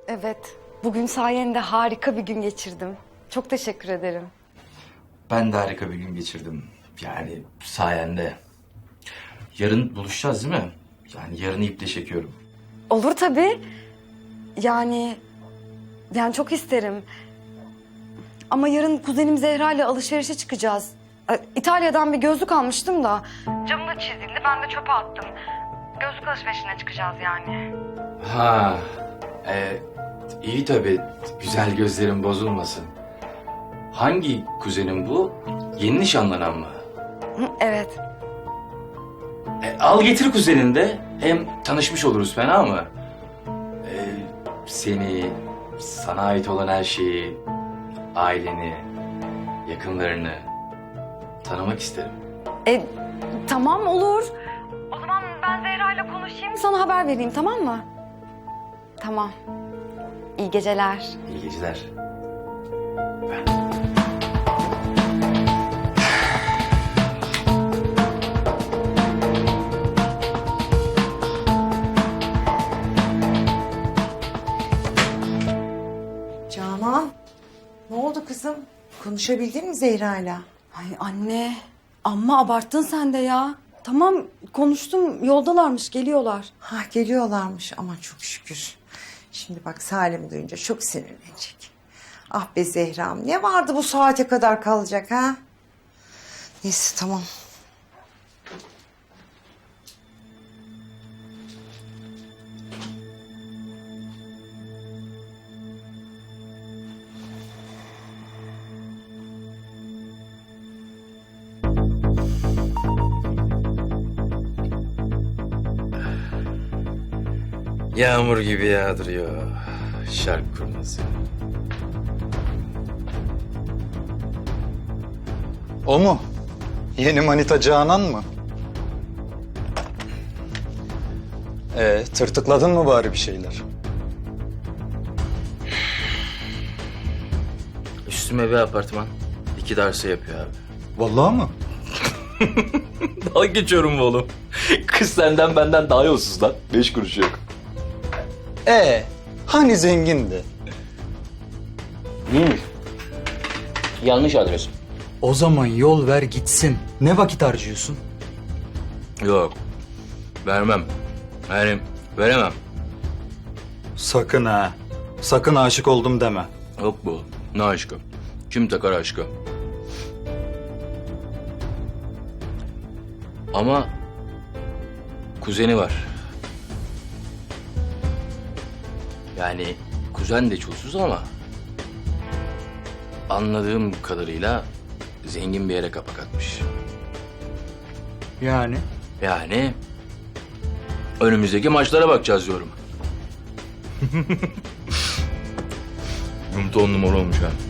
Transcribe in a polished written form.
Evet, bugün sayende harika bir gün geçirdim. Çok teşekkür ederim. Ben de harika bir gün geçirdim. Yani sayende. Yarın buluşacağız değil mi? Yani yarını iple çekiyorum. Olur tabii. Yani çok isterim. Ama yarın kuzenim Zehra ile alışverişe çıkacağız. İtalya'dan bir gözlük almıştım da. Camı da çizildi, ben de çöpe attım. Gözlük alışverişine çıkacağız yani. Ha, iyi tabii. Güzel gözlerin bozulmasın. Hangi kuzenin bu? Yeni nişanlanan mı? Evet. Al getir kuzenin de. Hem tanışmış oluruz, fena mı? Seni, sana ait olan her şeyi, aileni, yakınlarını tanımak isterim. Tamam olur. O zaman ben Zehra ile konuşayım, sana haber vereyim, tamam mı? Tamam. İyi geceler. İyi geceler. Canan, ne oldu kızım? Konuşabildin mi Zehra'yla? Ay anne, amma abarttın sen de ya. Tamam, konuştum, yoldalarmış, geliyorlar. Ha geliyorlarmış ama çok şükür. Şimdi bak Salim duyunca çok sinirlenecek. Ah be Zehra'm, ne vardı bu saate kadar kalacak ha? Neyse tamam. Yağmur gibi yağdırıyor. Şark kurnazı. O mu? Yeni manita Canan mı? Tırtıkladın mı bari bir şeyler? Üstüme bir apartman. 2 darsa yapıyor abi. Vallahi mı? Dalga geçiyorum bu oğlum. Kız senden benden daha yolsuz lan. 5 kuruş yok. Hani zengindi? Neymiş? Yanlış adres. O zaman yol ver gitsin. Ne vakit harcıyorsun? Yok. Vermem. Yani veremem. Sakın ha. Sakın aşık oldum deme. Yok bu oğlum. Ne aşkı? Kim takar aşkı? Ama kuzeni var. Yani kuzen de çulsuz ama anladığım kadarıyla zengin bir yere kapak atmış. Yani? Yani önümüzdeki maçlara bakacağız diyorum. Yumurta 10 numara olmuş ha.